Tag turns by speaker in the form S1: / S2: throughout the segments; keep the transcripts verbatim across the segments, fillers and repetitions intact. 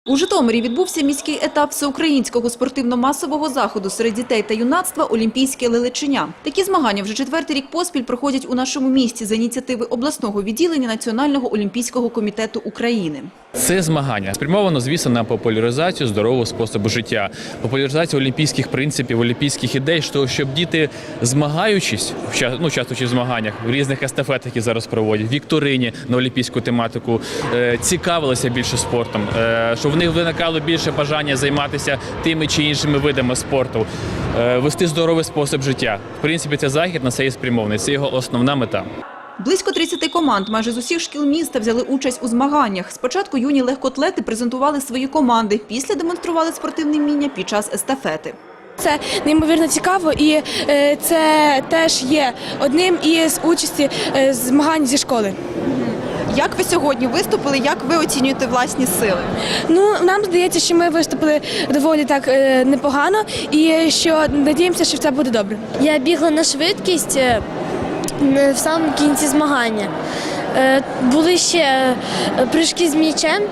S1: У Житомирі відбувся міський етап всеукраїнського спортивно-масового заходу серед дітей та юнацтва «Олімпійське лелечення». Такі змагання вже четвертий рік поспіль проходять у нашому місті за ініціативи обласного відділення Національного олімпійського комітету України.
S2: Це змагання спрямовано, звісно, на популяризацію здорового способу життя, популяризацію олімпійських принципів, олімпійських ідей, щоб діти, змагаючись, ну, участвуючи в змаганнях, в різних естафетах, які зараз проводять, вікторині на олімпійську тематику, цікавилися більше спортом, щоб в них виникало більше бажання займатися тими чи іншими видами спорту, вести здоровий спосіб життя. В принципі, це захід на це і спрямований, це його основна мета.
S1: Близько тридцяти команд майже з усіх шкіл міста взяли участь у змаганнях. Спочатку юні легкоатлети презентували свої команди, після демонстрували спортивне вміння під час естафети.
S3: Це неймовірно цікаво і це теж є одним із участі змагань зі школи.
S1: Як ви сьогодні виступили, як ви оцінюєте власні сили?
S3: Ну, нам здається, що ми виступили доволі так непогано і що надіємося, що це буде добре.
S4: Я бігла на швидкість в самому кінці змагання. Були ще прыжки з м'ячем,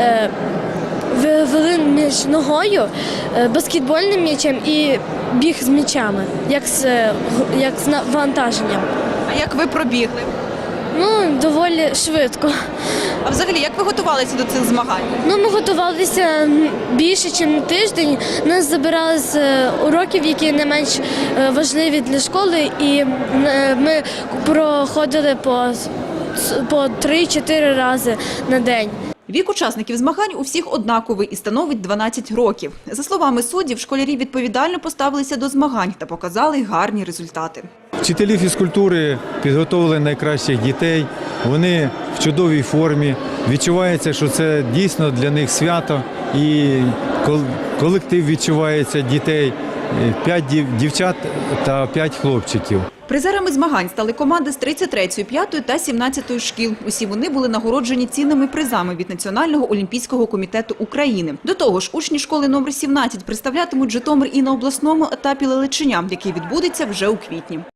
S4: вели між ногою, баскетбольним м'ячем і біг з м'ячами, як з, як з навантаженням.
S1: А як ви пробігли?
S4: Ну, доволі швидко.
S1: А взагалі, як ви готувалися до цих змагань?
S4: Ну, ми готувалися більше, ніж тиждень. Нас забирали з уроків, які не менш важливі для школи, і ми проходили по, по три-чотири рази на день.
S1: Вік учасників змагань у всіх однаковий і становить дванадцять років. За словами суддів, школярі відповідально поставилися до змагань та показали гарні результати.
S5: Вчителі фізкультури підготовили найкращих дітей, вони в чудовій формі, відчувається, що це дійсно для них свято і колектив відчувається дітей, п'ять дівчат та п'ять хлопчиків.
S1: Призерами змагань стали команди з тридцять третьої, п'ятої та сімнадцятої шкіл. Усі вони були нагороджені цінними призами від Національного олімпійського комітету України. До того ж, учні школи номер сімнадцять представлятимуть Житомир і на обласному етапі лелечення, який відбудеться вже у квітні.